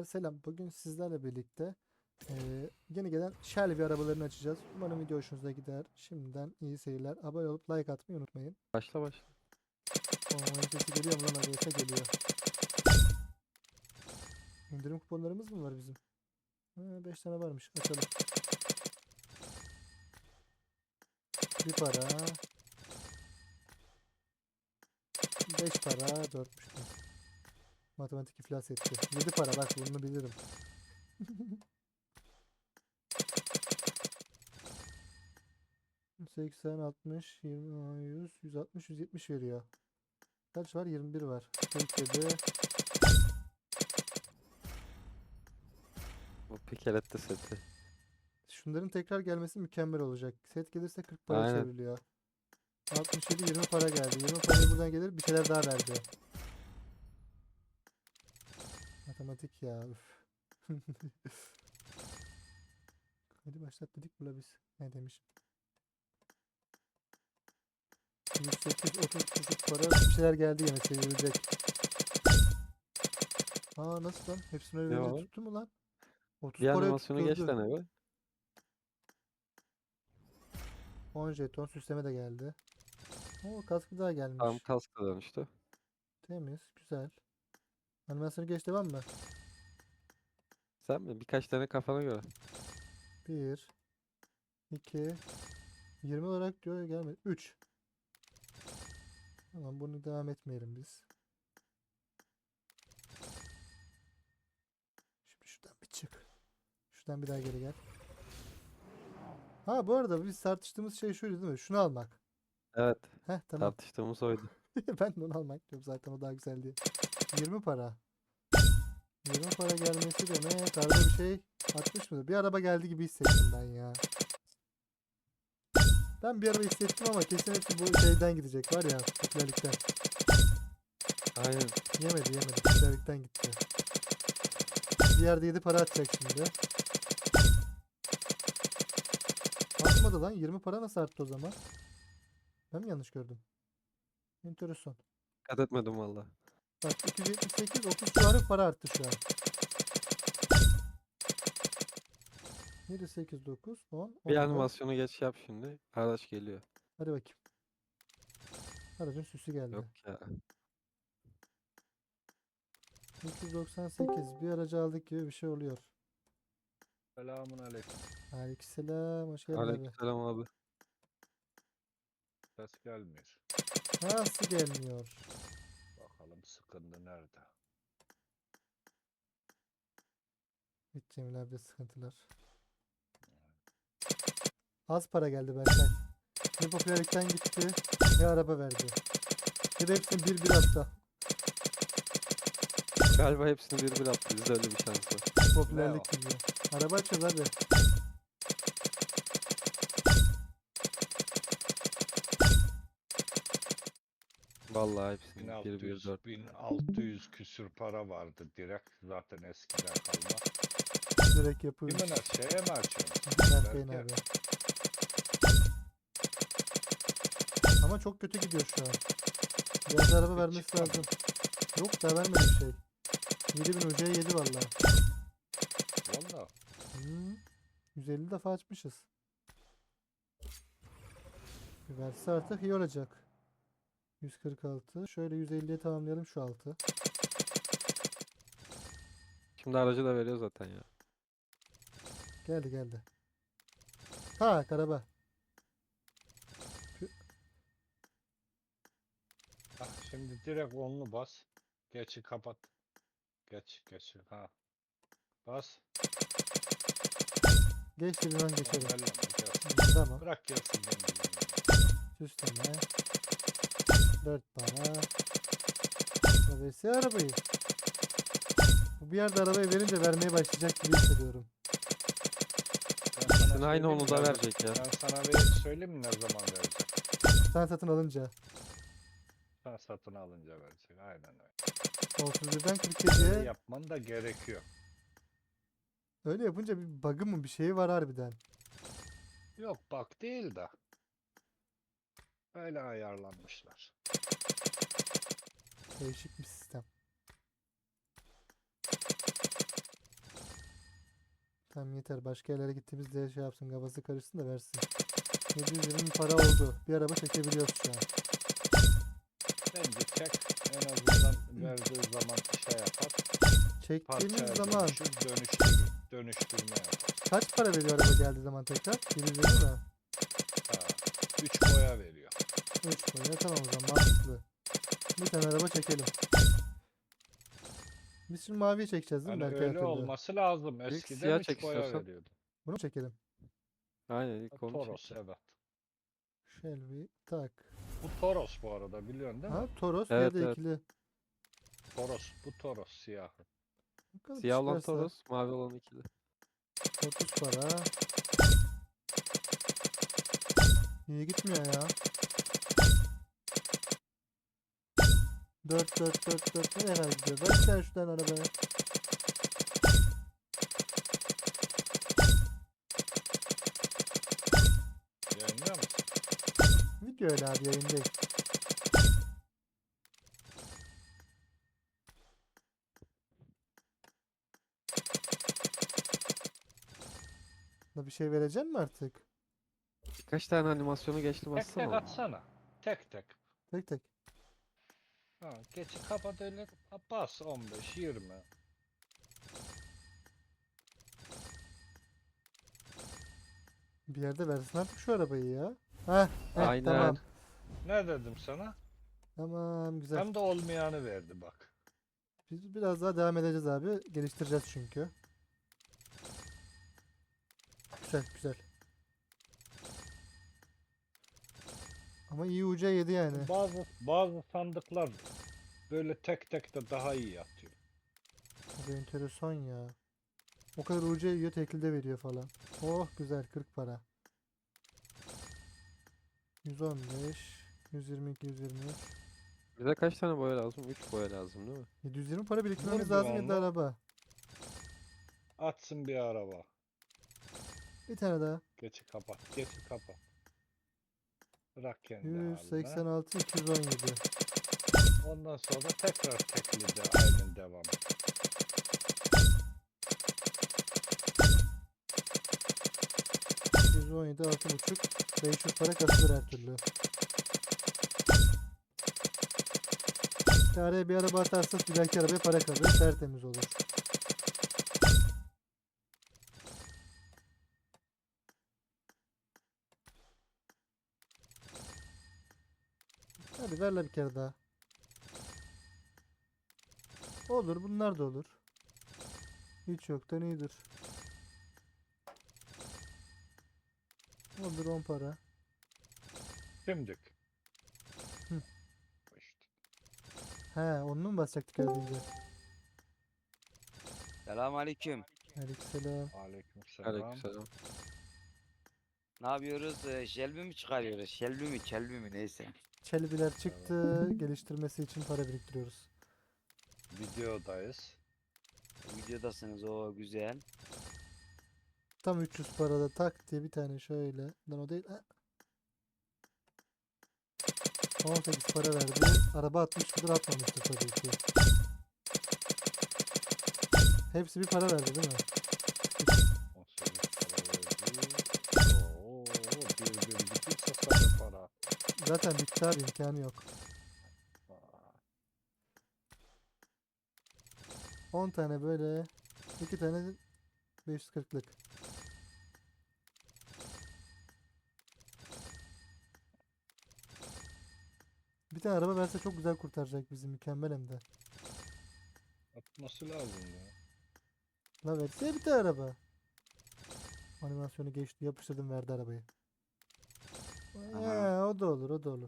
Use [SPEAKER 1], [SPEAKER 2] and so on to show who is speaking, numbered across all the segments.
[SPEAKER 1] Arkadaşlar selam. Bugün sizlerle birlikte yeni gelen Shelby arabalarını açacağız. Umarım video hoşunuza gider. Şimdiden iyi seyirler. Abone olup like atmayı unutmayın.
[SPEAKER 2] Başla başla.
[SPEAKER 1] Oyun sesi geliyor mu lan? Arayasa geliyor. İndirim kuponlarımız mı var bizim? 5 tane varmış. Açalım. Bir para. 5 para. 4'müş. Matematik iflas etti. 7 para. Bak bunu bilirim. ...80, 60, 20, 100, 160, 170 veriyor. Kaç var? 21 var. 47.
[SPEAKER 2] O pikelette seti.
[SPEAKER 1] Şunların tekrar gelmesi mükemmel olacak. Set gelirse 40 para
[SPEAKER 2] Aynen.
[SPEAKER 1] çevriliyor. 67, 20 para geldi. 20 parayı buradan gelir, bir şeyler daha verdi. Matematik ya. Üf. Hadi başlat dedik bula biz. Ne demişim? 108, 30 küçük para, bir şeyler geldi yine çevrilecek. Aa nasıl lan? Hepsini öyle
[SPEAKER 2] Ne
[SPEAKER 1] verince
[SPEAKER 2] var?
[SPEAKER 1] tuttu mu lan? 30
[SPEAKER 2] Bir
[SPEAKER 1] parayı
[SPEAKER 2] animasyonu geç
[SPEAKER 1] tutturdu.
[SPEAKER 2] tane be.
[SPEAKER 1] 10 jeton süsleme de geldi. Oo kaskı daha
[SPEAKER 2] Tam
[SPEAKER 1] gelmiş.
[SPEAKER 2] kaska dönüştü.
[SPEAKER 1] Temiz, güzel. Animasyonu geç devam mı?
[SPEAKER 2] Sen mi? Birkaç tane kafana göre.
[SPEAKER 1] 1, 2, 20 olarak diyor gelmedi. 3. Tamam bunu devam etmeyelim biz. Şimdi şuradan bir çık. Şuradan bir daha geri gel. Ha bu arada biz tartıştığımız şey şuydu değil mi? Şunu almak.
[SPEAKER 2] Evet.
[SPEAKER 1] Heh tamam.
[SPEAKER 2] Tartıştığımız oydu.
[SPEAKER 1] Ben de onu almak diyorum zaten o daha güzel diye. 20 para. 20 para gelmesi demek arada bir şey atmış mıdır? Bir araba geldi gibi hissettim ben ya. Ben bir araba hissettim ama kesin hepsi bu şeyden gidecek var ya popülerlikten.
[SPEAKER 2] Aynen.
[SPEAKER 1] Yemedi popülerlikten gitti. Bir yerde 7 para atacak şimdi. Artmadı lan. 20 para nasıl arttı o zaman? Ben mi yanlış gördüm? Enteresan.
[SPEAKER 2] Dikkat etmedim valla.
[SPEAKER 1] Bak 278 30 civarı para arttı şu an. 7 8 9 10
[SPEAKER 2] Bir
[SPEAKER 1] 14.
[SPEAKER 2] animasyonu geç yap şimdi. Araç geliyor.
[SPEAKER 1] Hadi bakayım. Aracın süsü geldi.
[SPEAKER 2] Yok ya.
[SPEAKER 1] 398 bir aracı aldık gibi bir şey oluyor.
[SPEAKER 3] Selamun aleyküm.
[SPEAKER 1] Aleykümselam. Hoş geldin abi.
[SPEAKER 2] Aleykümselam abi.
[SPEAKER 3] Ses gelmiyor.
[SPEAKER 1] Nasıl gelmiyor?
[SPEAKER 3] Bakalım sıkıntı nerede?
[SPEAKER 1] Hiç Cemil abi sıkıntılar. Az para geldi Berkay. Ne popülerlikten gitti ne araba verdi. Ya da hepsini bir hatta.
[SPEAKER 2] Galiba hepsini bir attı. Bizde öyle bir şans var.
[SPEAKER 1] Popülerlik gidiyor. Araba açıyoruz hadi.
[SPEAKER 2] Vallahi hepsini bir
[SPEAKER 3] 1600,
[SPEAKER 2] 4.
[SPEAKER 3] 1600 küsür para vardı direkt. Zaten eskiden kalma.
[SPEAKER 1] Direkt yapıyoruz.
[SPEAKER 3] Kimin şeye mi açıyorsun?
[SPEAKER 1] Berkay'ın
[SPEAKER 3] Berke.
[SPEAKER 1] abi. Ama çok kötü gidiyor şu an. Biraz araba vermesi
[SPEAKER 3] çıktı mı?
[SPEAKER 1] lazım. Yok da vermedi bir şey. 7000 ucuya yedi valla.
[SPEAKER 3] Valla.
[SPEAKER 1] 150 defa açmışız. Bir verse artık iyi olacak. 146. Şöyle 150'ye tamamlayalım şu altı.
[SPEAKER 2] Şimdi aracı da veriyor zaten ya.
[SPEAKER 1] Geldi. Tak araba.
[SPEAKER 3] Ah, şimdi direkt onlu bas. Geçi kapat. Geç. Ha. Bas.
[SPEAKER 1] Geç bir an geçelim.
[SPEAKER 3] Elleme, gelsin.
[SPEAKER 1] Tamam.
[SPEAKER 3] Bırak gelsin.
[SPEAKER 1] Süsleme. 4 para. Verse arabayı. Bu bir yerde arabayı verince vermeye başlayacak gibi hissediyorum.
[SPEAKER 2] Şimdi aynı onu da verecek ya.
[SPEAKER 3] Ben sana söyleyeyim mi ne zaman verecek?
[SPEAKER 1] Sen satın alınca.
[SPEAKER 3] Sen satın alınca verecek. Aynen öyle.
[SPEAKER 1] 31'den
[SPEAKER 3] Öyle
[SPEAKER 1] 47'ye.
[SPEAKER 3] yapman da gerekiyor.
[SPEAKER 1] Öyle yapınca bir bug'ı mı bir şeyi var harbiden.
[SPEAKER 3] Yok bak değil de. Öyle ayarlanmışlar.
[SPEAKER 1] Değişik bir sistem. Tamam yeter. Başka yerlere gittiğimizde şey yapsın. Kafası karışsın da versin. 720 para oldu. Bir araba çekebiliyoruz şu an.
[SPEAKER 3] Bence çek. En azından verdiği zaman şey yapar.
[SPEAKER 1] Çektiğimiz
[SPEAKER 3] Parçaya
[SPEAKER 1] zaman
[SPEAKER 3] dönüştür. Dönüştürme yapar.
[SPEAKER 1] kaç para veriyor araba geldiği zaman tekrar? 150 mi?
[SPEAKER 3] Ha. 3 boya veriyor.
[SPEAKER 1] 3 boya. Tamam o zaman mantıklı. Bir tane araba çekelim. Biz şimdi maviyi çekeceğiz değil mi?
[SPEAKER 3] Hani
[SPEAKER 1] Belki her
[SPEAKER 3] öyle
[SPEAKER 1] türlü.
[SPEAKER 3] olması lazım.
[SPEAKER 2] İlk
[SPEAKER 3] Eskiden
[SPEAKER 2] siyah
[SPEAKER 3] 3
[SPEAKER 2] çek
[SPEAKER 3] boya
[SPEAKER 2] istiyorsan.
[SPEAKER 3] veriyordu.
[SPEAKER 1] Bunu mu çekelim?
[SPEAKER 2] Aynen ilk onu
[SPEAKER 3] Toros
[SPEAKER 2] çek.
[SPEAKER 3] evet.
[SPEAKER 1] Shelby tak.
[SPEAKER 3] Bu Toros bu arada biliyorsun değil mi?
[SPEAKER 1] Ha Toros
[SPEAKER 2] Evet,
[SPEAKER 1] ya da
[SPEAKER 2] evet.
[SPEAKER 1] ikili.
[SPEAKER 3] Toros. Bu Toros siyahı.
[SPEAKER 1] Bakalım
[SPEAKER 2] Siyah olan
[SPEAKER 1] çıkarsa.
[SPEAKER 2] Toros, mavi olan ikili.
[SPEAKER 1] 30 para. İyi gitmiyor ya. 4 ne kadar gidiyor? Ver sen şuradan arabaya.
[SPEAKER 3] Yayınlıyor musun?
[SPEAKER 1] Video öyle abi yayın değil. Da bir şey verecek mi artık?
[SPEAKER 2] Birkaç tane animasyonu geçtim
[SPEAKER 3] Tek
[SPEAKER 2] aslında.
[SPEAKER 3] tek atsana. Tek tek.
[SPEAKER 1] Tek tek.
[SPEAKER 3] Ha, geçi kapat öyle. Ha, bas 15 20.
[SPEAKER 1] Bir yerde versin artık şu arabayı ya. Heh,
[SPEAKER 2] Aynen.
[SPEAKER 1] tamam.
[SPEAKER 3] Ne dedim sana?
[SPEAKER 1] Tamam güzel.
[SPEAKER 3] Hem de olmayanı verdi bak.
[SPEAKER 1] Biz biraz daha devam edeceğiz abi. Geliştireceğiz çünkü. Güzel güzel. Ama iyi uca yedi yani.
[SPEAKER 3] Bazı sandıklar böyle tek tek de daha iyi yatıyor.
[SPEAKER 1] Bu enteresan ya. O kadar uca yiyor tekilde veriyor falan. Oh güzel 40 para. 115, 122, 123.
[SPEAKER 2] Bize kaç tane boya lazım? 3 boya lazım değil mi?
[SPEAKER 1] 720 para biriktirmemiz
[SPEAKER 3] Vur
[SPEAKER 1] lazım ya da
[SPEAKER 3] güvenli.
[SPEAKER 1] araba.
[SPEAKER 3] Atsın bir araba.
[SPEAKER 1] Bir tane daha.
[SPEAKER 3] Geçi kapat. Geçi kapat. Bırak kendi haline.
[SPEAKER 1] 186, 217.
[SPEAKER 3] Ondan sonra tekrar tekli de aynen devam.
[SPEAKER 1] 117, 6,5. 500 para kasılır her türlü. Araya bir araba atarsanız bir dahaki arabaya para kalır. Tertemiz olur. Hadi ver la bir kere daha. Olur bunlar da olur. Hiç yoktan iyidir. Olur 10 para.
[SPEAKER 3] Şimdik.
[SPEAKER 1] Hı.
[SPEAKER 3] İşte.
[SPEAKER 1] He onu mu basacaktık az önce?
[SPEAKER 4] Selamünaleyküm.
[SPEAKER 1] Aleykümselam.
[SPEAKER 3] Aleykümselam.
[SPEAKER 2] Aleykümselam.
[SPEAKER 4] Ne yapıyoruz? Shelby mi çıkarıyoruz? Shelby mi neyse.
[SPEAKER 1] Çelbiler çıktı. Geliştirmesi için para biriktiriyoruz.
[SPEAKER 3] Videodayız.
[SPEAKER 4] Videodasınız o güzel.
[SPEAKER 1] Tam 300 parada tak diye bir tane şöyle. Lan o değil. Ha. 18 para verdi. Araba 60 mıdır atmamıştır tabii ki. Hepsi bir para verdi değil mi?
[SPEAKER 3] 18 para verdi. Oo, bir bitse sana para.
[SPEAKER 1] Zaten bitti abi imkanı yok.
[SPEAKER 3] Aa,
[SPEAKER 1] 10 tane böyle. 2 tane 540'lık. Bir tane araba verse çok güzel kurtaracak bizi mükemmel hem de.
[SPEAKER 3] atması lazım ya.
[SPEAKER 1] La verse ya bir tane araba. Animasyonu geçti yapıştırdım verdi arabayı.
[SPEAKER 4] Aha.
[SPEAKER 1] O da olur o da olur.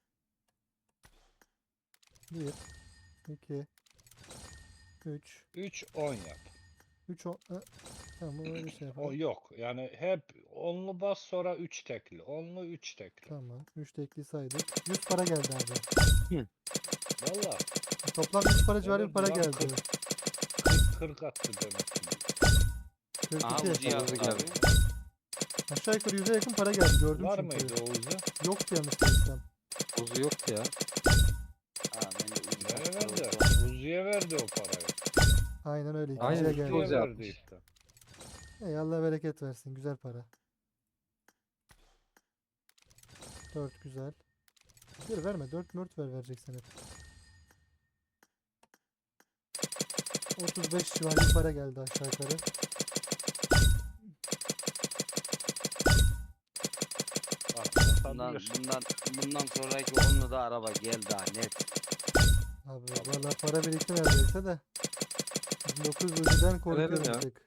[SPEAKER 1] 1 2 3
[SPEAKER 3] 3 10 yap.
[SPEAKER 1] 3 10 tamam bunu öyle şey
[SPEAKER 3] O
[SPEAKER 1] yapalım.
[SPEAKER 3] yok. Yani hep onlu bas sonra 3 tekli. Onlu 3 tekli.
[SPEAKER 1] Tamam. 3 tekli saydık. 100 para geldi abi.
[SPEAKER 3] Valla
[SPEAKER 1] Toplam 100 para civarı bir
[SPEAKER 3] Evet,
[SPEAKER 1] para
[SPEAKER 3] lan
[SPEAKER 1] geldi.
[SPEAKER 3] 40 attı demek ki.
[SPEAKER 1] 42.
[SPEAKER 4] Aha Uzi yaptık
[SPEAKER 2] geldi.
[SPEAKER 4] abi.
[SPEAKER 1] Aşağı yukarı 100'e yakın para geldi gördüm
[SPEAKER 3] Var
[SPEAKER 1] çünkü.
[SPEAKER 3] mıydı o Uzi?
[SPEAKER 1] Yoktu yanlış değilsem.
[SPEAKER 2] Bozu yoktu ya.
[SPEAKER 4] Ha ben de Uzi
[SPEAKER 3] Nereye
[SPEAKER 4] yaptım.
[SPEAKER 3] verdi? Uzi'ye verdi o parayı.
[SPEAKER 1] Aynen öyle.
[SPEAKER 2] Aynen,
[SPEAKER 1] İkinciye
[SPEAKER 2] iki
[SPEAKER 1] geldi.
[SPEAKER 2] Uzi
[SPEAKER 3] Uzi'ye verdi
[SPEAKER 2] yapmış.
[SPEAKER 3] işte.
[SPEAKER 1] Ey Allah bereket versin. Güzel para. 4 güzel. Bir verme. 4 mört vereceksin hep. 35 civarı bir para geldi aşağı yukarı.
[SPEAKER 4] Bundan,
[SPEAKER 3] Atabilir.
[SPEAKER 4] bundan sonraki onunla da araba geldi ha net.
[SPEAKER 1] Abi valla para birikti neredeyse de. 9 ucudan korkuyorum
[SPEAKER 2] ya.
[SPEAKER 1] bir tık.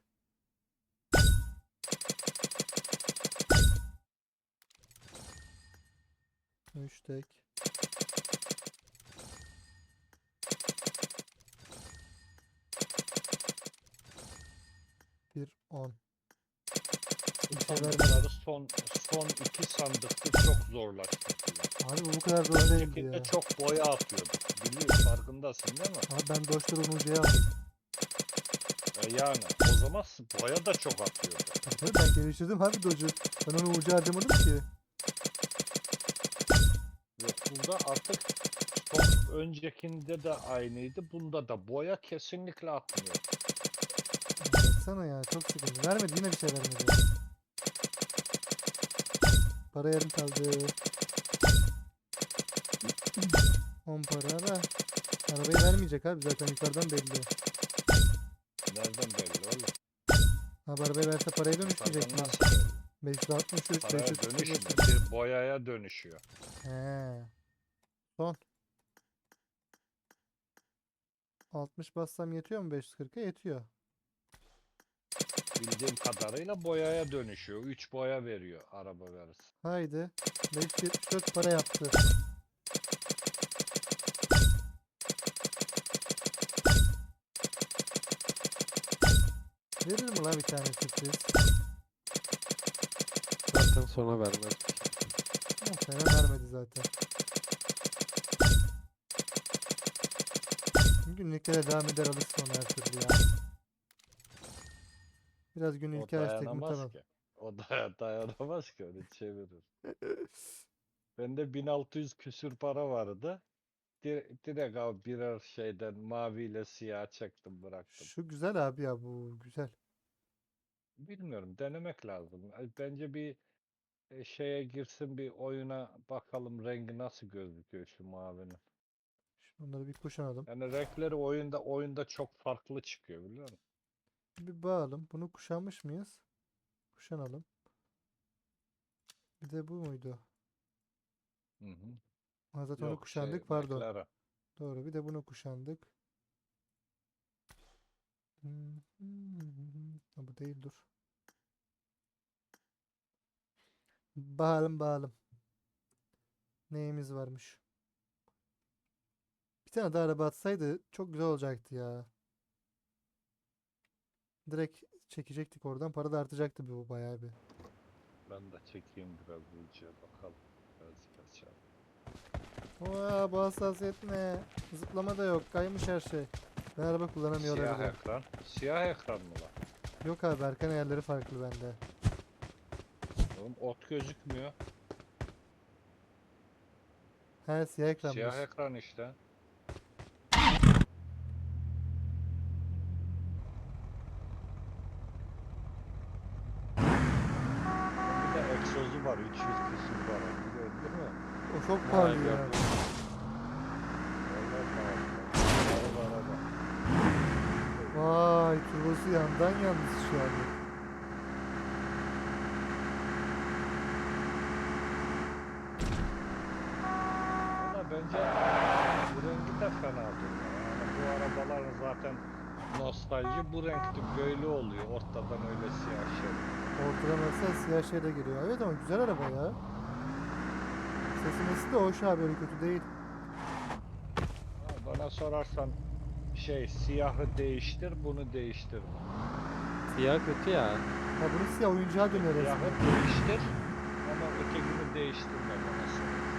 [SPEAKER 1] Üç tek. Bir 10. Bir şey vermedi.
[SPEAKER 3] Sandıkları son iki sandıkta çok zorlaştırdılar.
[SPEAKER 1] Abi bu kadar zor değildi
[SPEAKER 3] Öncekinde
[SPEAKER 1] ya.
[SPEAKER 3] çok boya atıyordu. Biliyorsun, farkındasın değil mi?
[SPEAKER 1] Abi ben Doge'ları Unucu'ya aldım.
[SPEAKER 3] Yani o zaman boya da çok atıyordu.
[SPEAKER 1] Tabii ben geliştirdim abi Doge'u. Ben onu Unucu harcamadım ki.
[SPEAKER 3] Yok, burada artık son öncekinde de aynıydı. Bunda da boya kesinlikle atmıyor.
[SPEAKER 1] Baksana ya çok sıkıntı. Vermedi yine bir şey vermedi. Para yarım kaldı. 10 para da. Arabayı vermeyecek abi zaten yukarıdan belli.
[SPEAKER 3] Nereden belli oğlum?
[SPEAKER 1] Abi arabayı verse parayı dönüştürecek mi?
[SPEAKER 3] Yukarıdan nasıl belli?
[SPEAKER 1] 563,
[SPEAKER 3] Paraya
[SPEAKER 1] 535.
[SPEAKER 3] dönüşmüyor. Bir boyaya dönüşüyor.
[SPEAKER 1] He. Son. 60 bassam yetiyor mu 540'a? Yetiyor.
[SPEAKER 3] Bildiğim kadarıyla boyaya dönüşüyor. 3 boya veriyor araba verirse.
[SPEAKER 1] Haydi. 574 para yaptı. Verir mi la bir tane sürpriz?
[SPEAKER 2] Zaten sona vermez.
[SPEAKER 1] Muhtemelen vermedi zaten. Günlüklere devam eder alırsın onu her türlü ya. Biraz
[SPEAKER 3] O
[SPEAKER 1] günlük açtık mı
[SPEAKER 3] dayanamaz
[SPEAKER 1] tamam.
[SPEAKER 3] ki. O dayanamaz ki, öyle çevirir. Bende 1600 küsür para vardı. Direkt abi birer şeyden maviyle siyah çektim, bıraktım.
[SPEAKER 1] Şu güzel abi ya, bu güzel.
[SPEAKER 3] Bilmiyorum, denemek lazım. Bence bir şeye girsin, bir oyuna bakalım rengi nasıl gözüküyor şu mavinin.
[SPEAKER 1] Şunları bir kuşanalım.
[SPEAKER 3] Yani renkleri oyunda çok farklı çıkıyor, biliyor musun?
[SPEAKER 1] Bir bağalım. Bunu kuşanmış mıyız? Kuşanalım. Bir de bu muydu?
[SPEAKER 3] Hı hı.
[SPEAKER 1] Ha, zaten onu
[SPEAKER 3] Yok,
[SPEAKER 1] kuşandık pardon.
[SPEAKER 3] McLaren.
[SPEAKER 1] Doğru, bir de bunu kuşandık. Ha, bu değil, dur. Bağalım bağalım. Neyimiz varmış? Bir tane daha araba atsaydı çok güzel olacaktı ya. Direkt çekecektik oradan. Para da artacaktı bu bayağı bir.
[SPEAKER 3] Ben de çekeyim biraz bu içe bakalım. Biraz kaçalım.
[SPEAKER 1] Oha, bu hassasiyet ne? Zıplama da yok. Kaymış her şey. Ben araba kullanamıyor
[SPEAKER 3] Siyah
[SPEAKER 1] olabilirim.
[SPEAKER 3] ekran. Siyah ekran mı lan?
[SPEAKER 1] Yok abi, arka ayarları farklı bende.
[SPEAKER 3] Oğlum ot gözükmüyor.
[SPEAKER 1] He, siyah ekranmış.
[SPEAKER 3] Siyah ekran işte. Bir de egzozu var, 300 küsur var. Biliyorsun değil mi?
[SPEAKER 1] O çok
[SPEAKER 2] Vay
[SPEAKER 1] pahalı
[SPEAKER 2] be.
[SPEAKER 1] ya.
[SPEAKER 3] Vallahi pahalı. Araba.
[SPEAKER 1] Vay, turbosu yandan yalnız şu an.
[SPEAKER 3] Valla bence bu rengi de fena değil. Yani bu arabaların zaten nostalji bu renkte böyle oluyor. Ortadan öyle siyah şey.
[SPEAKER 1] Ortadan mesela siyah şeyle geliyor. Evet ama güzel araba ya. Sesi de hoş abi, öyle kötü değil.
[SPEAKER 3] Ha, bana sorarsan siyahı değiştir, bunu değiştir.
[SPEAKER 2] Siyah kötü ya.
[SPEAKER 1] Ha, bunu siyah oyuncağa döner
[SPEAKER 3] Siyahı
[SPEAKER 1] resmen.
[SPEAKER 3] değiştir ama ötekini değiştirme bana sorarsan.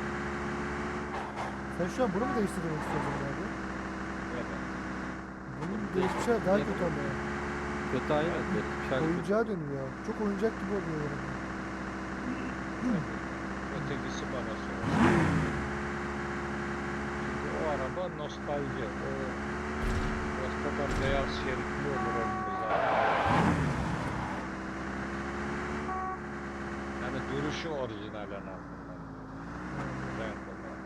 [SPEAKER 1] Sen şu an bunu mu değiştirmek istiyorsun abi?
[SPEAKER 3] Neden?
[SPEAKER 1] Bunun değişmiş hali daha kötü ama.
[SPEAKER 2] Kötü aynen. Geçmiş hali kötü.
[SPEAKER 1] Oyuncağa dönüyor. Çok oyuncak gibi oluyor yani.
[SPEAKER 3] Ötekisi bana sorarsan. Çünkü o araba nostalji. O ortadan beyaz şeritli olur onun zaten. halen altından. Random al.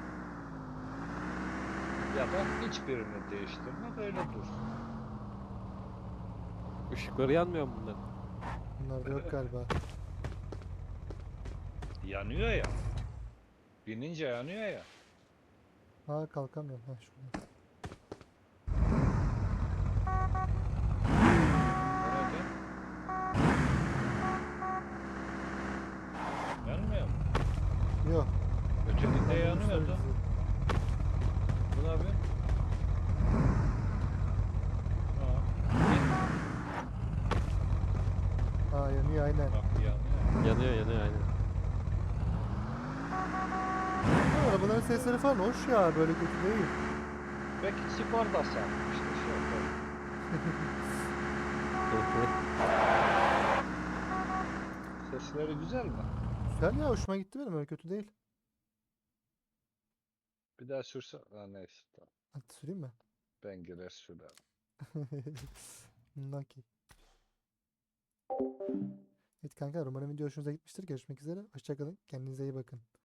[SPEAKER 3] Ya da hiçbirini değiştirme böyle dursun.
[SPEAKER 2] Işıkları yanmıyor mu bunların?
[SPEAKER 1] Bunlar da yok galiba.
[SPEAKER 3] Yanıyor ya. Binince yanıyor ya.
[SPEAKER 1] Aa kalkamıyorum. Ha şurada.
[SPEAKER 3] Nerede? Yanmıyor mu?
[SPEAKER 1] Yok.
[SPEAKER 3] Ötekinde
[SPEAKER 1] ben
[SPEAKER 3] yanıyordu.
[SPEAKER 1] bizi.
[SPEAKER 3] Bu ne yapıyor?
[SPEAKER 1] Aa yanıyor aynen.
[SPEAKER 3] Bak yanıyor.
[SPEAKER 2] Yanıyor aynen.
[SPEAKER 1] Bu arabaların sesleri falan hoş ya. Böyle kötü değil.
[SPEAKER 3] Belki spor da sarmıştı şey oldu. Sesleri güzel mi?
[SPEAKER 1] Güzel ya, hoşuma gitti benim, öyle kötü değil.
[SPEAKER 3] Bir daha sürse... Ha, neyse tamam.
[SPEAKER 1] Hadi süreyim mi?
[SPEAKER 3] Ben girer sürerim.
[SPEAKER 1] Okey. Evet kanka, umarım video hoşunuza gitmiştir. Görüşmek üzere. Hoşça kalın. Kendinize iyi bakın.